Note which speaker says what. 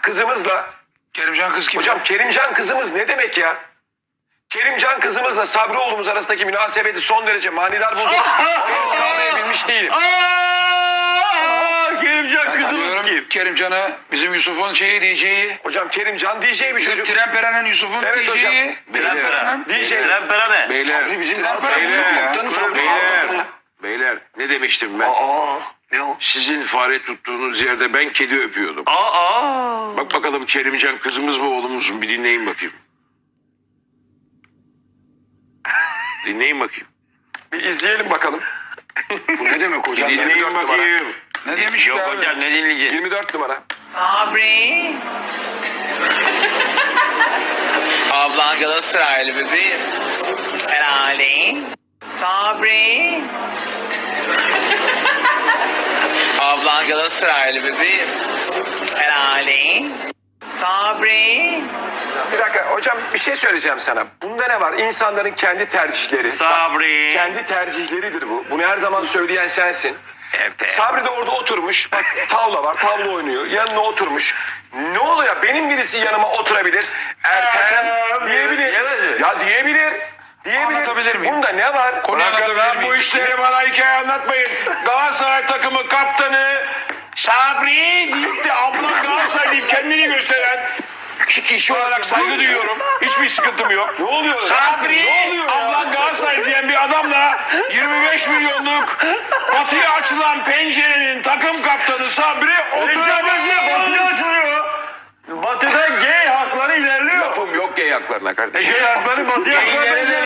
Speaker 1: kızımızla...
Speaker 2: Kerimcan kız kim?
Speaker 1: Hocam Kerimcan kızımız ne demek ya? Kerimcan kızımızla Sabri oğlumuz arasındaki münasebeti son derece manidar buldum. Henüz kavrayabilmiş değilim.
Speaker 3: Kerimcan kızımız kim?
Speaker 2: Kerimcan'a bizim Yusuf'un diyeceği.
Speaker 1: Hocam Kerimcan DJ bir
Speaker 2: Bizim
Speaker 1: çocuk.
Speaker 2: Tren Peren'in Yusuf'un
Speaker 1: Evet hocam.
Speaker 2: diyeceği.
Speaker 3: Tren Peren.
Speaker 1: DJ.
Speaker 3: Tren Peren ne?
Speaker 4: Beyler,
Speaker 1: Bizim
Speaker 2: Tren Peren bizim komutanı Sabri.
Speaker 4: beyler ne demiştim ben?
Speaker 1: Ne o?
Speaker 4: Sizin fare tuttuğunuz yerde ben kedi öpüyordum. Bak bakalım Kerimcan kızımız mı oğlumuz mu? Bir dinleyin bakayım. Dinleyin bakayım.
Speaker 1: Bir izleyelim bakalım.
Speaker 4: Bu ne demek hocam? Dinleyin
Speaker 1: 24 numara.
Speaker 4: bakayım.
Speaker 2: Ne demiş
Speaker 3: Yok
Speaker 2: ya abi?
Speaker 3: hocam ne dinleyeceğiz?
Speaker 1: 24 numara.
Speaker 5: Sabri. Ablan Galatasaraylı bebeğim. Herhalde. Sabri. Ablan Galatasaraylı bebeğim. Herhalde. Sabri.
Speaker 1: Bir dakika hocam bir şey söyleyeceğim sana. Bunda ne var? İnsanların kendi tercihleri.
Speaker 3: Sabri.
Speaker 1: Kendi tercihleridir bu. Bunu her zaman söyleyen sensin.
Speaker 3: Evet.
Speaker 1: Sabri de orada oturmuş. Bak tavla var. Tavla oynuyor. Yanına oturmuş. Ne oluyor? Benim birisi yanıma oturabilir. Ertem diyebilir.
Speaker 3: Diyemez mi?
Speaker 1: Ya diyebilir.
Speaker 2: Anlatabilir miyim?
Speaker 1: Bunda ne var?
Speaker 2: Konuyu anlatabilir miyim?
Speaker 4: Bu işleri bana hikaye anlatmayın. Galatasaray takımı kaptanı Sabri deyip de abla Galatasaray deyip kendini gösteren kişi olarak saygı duyuyorum. Hiçbir sıkıntım yok.
Speaker 1: Ne oluyor?
Speaker 4: Sabri,
Speaker 1: Ne oluyor ya?
Speaker 4: ablan Galatasaray diyen bir adamla 25 milyonluk batıya açılan pencerenin takım kaptanı Sabri oturamıyor.
Speaker 3: Batıya açılıyor. Batıda gay hakları ilerliyor.
Speaker 4: Lafım yok gay haklarına kardeşim.
Speaker 3: Gay hakları batıya açılıyor.